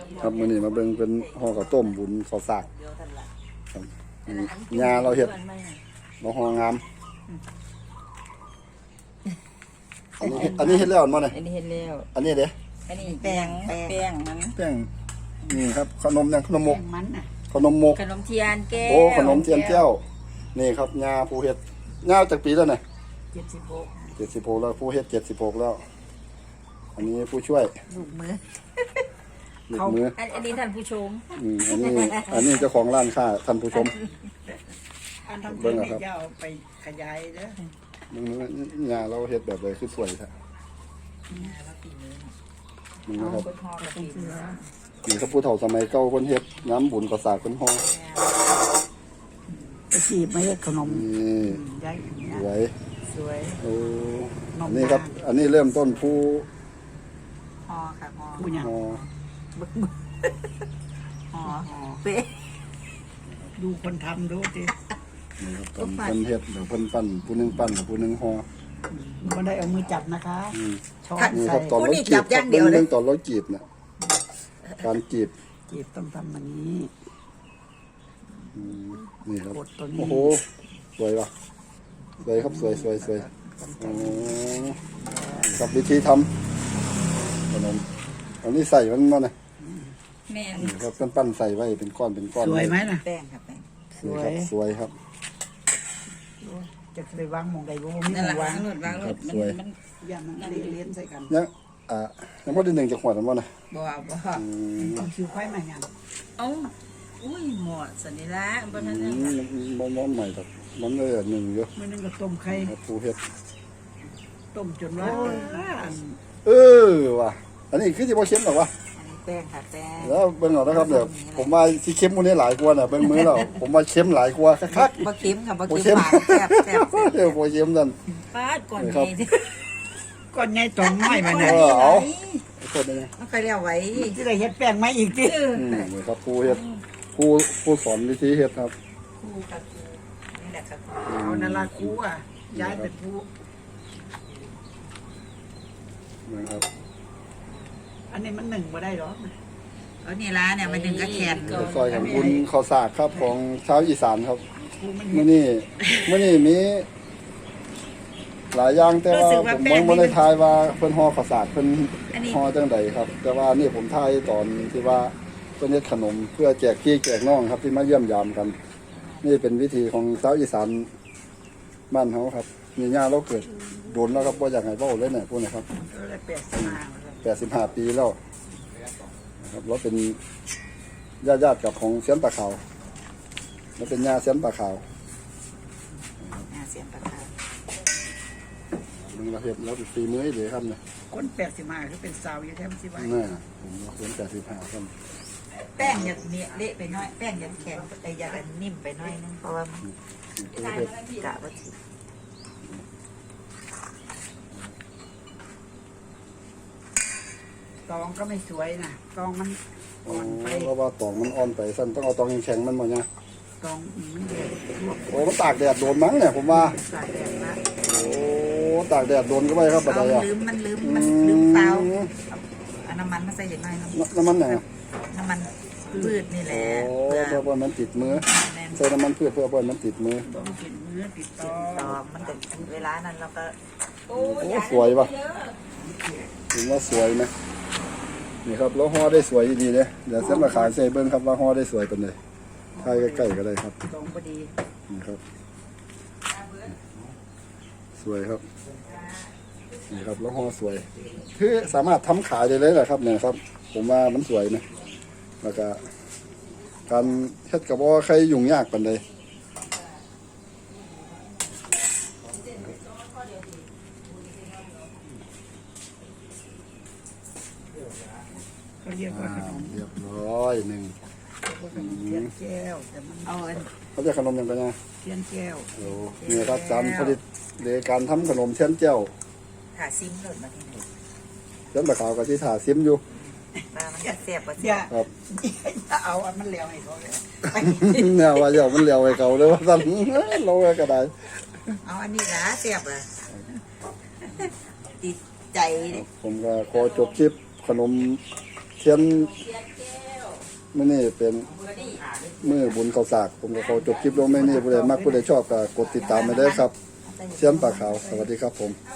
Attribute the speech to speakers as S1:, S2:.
S1: ครับมื้อนี้มาเบิ่งเป็นห่อข้าวต้มบุญข้าวสากครับงาเราเฮ็ดเราห่องามอันนี้เฮ็ดแล้วมั้งเนี่ย
S2: อันนี้เห็นแล้ว
S1: อันนี้เด้
S2: อันนี้แป้งมัน
S1: แป้งนี่ครับขนมยังขนมมก
S3: มันน่ะ
S1: ขนมมก
S2: ขนมเทียนแก้ว
S1: โอ้ขนมเทียนแก้วนี่ครับงาผู้เฮ็ดงาจากปีแล้วเนี่ย 76แล้วผู้เฮ็ด76แล้วอันนี้ผู้ช่วย
S2: ลูกมือ
S1: ลูกมือ
S2: อันนี้ท่านผู้ชม
S1: อันนี้เจ้าของร้านค้าท่านผู้ชม
S3: อันทำเพื่อนนี่จะเอาไปขยายเด้อ
S1: มึงงาเราเฮ็ดแบบเลยคือสวยแท้มึงนะครับ
S2: คนห่อกับปีน
S1: นี่ครับผู้เฒ่าสมัยเก่าคนเฮ็ดน้ำบุญก็สากคนห่อ
S3: ไปจีบไม่ให้ขนม
S1: นี่
S3: ย้าย
S1: สวย
S2: สวย
S1: โอ้อันนี้ครับ อันนี้เริ่มต้นผู้
S2: ห่อค่ะห่อ
S3: ผู้หญิง
S1: ห่อ
S2: ห่อเป๊ะ
S3: ดูคนทำดูสิ
S1: นี่ครับตอนเพิ่นเฮ็ดเดี๋ยวเพิ่นปั้นผู้หนึงปั้นผู้หนึงห่อ
S3: ไม่ได้เอามือจับนะคะ
S1: อืม
S3: ช้อน
S1: นี่ค
S3: ใส่
S1: รับตอนเราจีบครับเรื่องตอนเราจีบเนี่ยการจีบ
S3: จีบต้องทำแบบนี้
S1: นี่ครับ
S3: กดตัวนี้
S1: โอ้โหสวยว่ะสวยครับสวยอ๋อกับวิธีทำขนมอันนี้ใส่มันมาเนี่ย
S2: แม่
S1: นี่ครับปั้นๆใส่ไว้เป็นก้อนเป็นก้อน
S3: สวยไหมน่ะ
S2: แป้งค่ะแป้ง
S1: นี่ครับสวยครับ
S3: จะไปวางหมองใดบ่มี
S2: นั่น
S3: ห
S2: แห
S3: ม
S2: ละ
S3: องวาง
S2: หลุดวางหลุดมัน
S3: อย่ามันเลี้ยนใส่กัน
S1: ยังยังพอได้หนึ่งจากขวดนั้นว่านะ
S2: บ่
S3: เอาคิวไฟมาอย่าง
S2: เอ้าอุ้ยหมดสันนิละบนนั้น
S1: บ่ใหม่แต่มันเลยหนึ่งเยอะ
S3: เมื่อนึงก็ต้มไข่
S1: ครับผู้เฮ็ด
S3: ต้มจนว่าอัน
S1: เออว่ะอันนี้คือที่บ่เค็มหรอกวะ
S2: อันนี้แป้งค่ะแป้ง
S1: แล้วเบิ่งเอานะครับเดี๋ยวผมว่าที่เค็มกว่านี้หลายกว่าน่ะเบิ่งมื้อแล้วผมว่าเค็มหลายกว่าคัก
S2: บ่เค็มค่ะบ่
S1: บ่
S2: เค็
S1: เค็
S2: ม
S1: ม
S2: หวานแซ่บแซ่บ
S1: เดี๋ยวบ่เค็มนั่น
S2: ปาดก่อน
S1: ครั
S2: ไง
S1: บ
S3: ก้อนใหญ่ตองไม้มา
S1: เอ
S3: เนี่ย
S1: อเอาโทษนะ
S2: มันเคยเรียกไว้
S3: ที่ได้เฮ็ดแป้งไม้อีกที
S1: นี่ครับผู้เฮ็ดผู้สอนวิธีเฮ็ดครับ
S2: ครูกับครูนี่แหละครับ
S3: เอานาราคูอ่ะย้ายเป็นผู้
S1: นะครับ
S3: อันนี้มันหนึ่งมาได้หรอ
S2: เอานี่ละเนี่ยมันดึงกระแขน
S1: ซอยของบุญข้าวสากครับของชาวอีสานครับ
S3: กูมัน
S1: มื้อนี้มีหลายอย่างแต่ว่าผมบ่ได้ทายว่าเพิ่นห่อข้าวสากเพิ่นห่อจังไดครับ แต่ว่านี่ผมทายตอนที่ว่าเพิ่นเฮ็ดขนมเพื่อแจกพี่แจกน้องครับที่มาเยี่ยมยามกัน นี่เป็นวิธีของชาวอีสานบ้านเฮาครับมีญาเราเกิดโดนแล้วครับบ่อยากให้เว้าเลยเนี่ยพวกนี้ครับ
S3: ก็เลยเปลี่ยนสมา
S1: 85 ปีแล้วนะครับเราเป็นญาติกับของเสียนปลาขาวเราเป็นญาเสียนปลาขาว
S2: เสียงประกาศ
S1: มึงเราเห็นเราเป็นฝีมือให้เลยครับเนี่ย
S3: คนแปดสิบห้าคือเป็นสาวอยู่แท้มสิไว้
S1: น่าผมเราเสียน85ครับ
S2: แป้งอย่าเนี้ยเละไปน้อยแป้งอย่าแข็งอย่านิ่มไปน้อยนึงเพราะว่า
S1: นี่คือเห็ด
S2: กะว่าสิ
S3: ตองก็ไม่สวยนะตองมันอ่อนไป
S1: เพราะว่าตองมันอ่อนไปสั้นต้องเอาตองแข็งๆมันมาเนี่ย
S3: ตองมันเดือดลวก
S1: โอ้มันตากแดดโดนมั้งเนี่ยผมว่า
S3: สายแดดละ
S1: โอ้ตากแดดโดนก็ไปครับบัด
S2: เอา
S1: ใดอ่ะ
S2: มันลืมเปล่าเอาน้ำมันมาใส่อย่างน้อยน้
S1: น้ำมันไหน
S2: ำมันพืชนี่แห
S1: โอ้
S2: ละ
S1: เพื่อว่ามันติดมือ
S2: แน่น
S1: ใส่น้ำมันพืชเพื่อว่ามันติดมือ
S3: ต้องกินเนื้อติดตอ
S2: ตอมันจะเวลานั้นเราก็
S1: โอ้สวยป่ะถึงว่าสวยไหมนี่ครับแล้วห่อได้สวยดีเลยเดี๋ยวเส้นราคาใส่เบิ้งครับว่าห่อได้สวยเป็นเลยถ่ายใกล้ๆก็ได้ครับ
S3: ตองพอดี
S1: นี่ครับสวยครับนี่ครับแล้วห่อสวยคือสามารถทำขายได้เลยแหละครับเนี่ยครับ ผมว่ามันสวยนะแล้วก็การเฮ็ดกับว่าใครยุ่งยากปานใด
S3: เขาเรียกว่าขนม
S1: เรียบร้อยหนึ่ง
S3: เทียนแก้วแต่มัน
S2: เอาอัน
S1: เขาจะขนมยังไงนะ
S3: เทียนแก้ว
S1: โอ้นี่ครับการผลิตหรือการทำขนมเทียนเจ้า
S2: หาซิมหล่นมาที่ไหน
S1: เทียนตะขาวกับที่ถาซิมอยู่
S2: ปลามันจะเสียบกว่า
S3: อ
S2: เสีย
S3: ย่า
S1: ครับ
S3: อย่าเอาอันมันแล้วให้เขาเลย
S1: เนี่ยว่าเดี๋ยวมันเหลียวไอ้เขาเลยว่าสั่นเราไว้ก็ได้
S2: เอาอันนี้นะเสียบอ่ะติดใจ
S1: ผมก็ขอจบคลิปขนมเทียนมื้อนี้เป็นมื้อบุญข้าวสากผมก็ขอจบคลิปลงแม่นี่ผู้ใดมักผู้ใดชอบก็กดติดตามไปเด้อครับเสียมปากขาวสวัสดีครับผม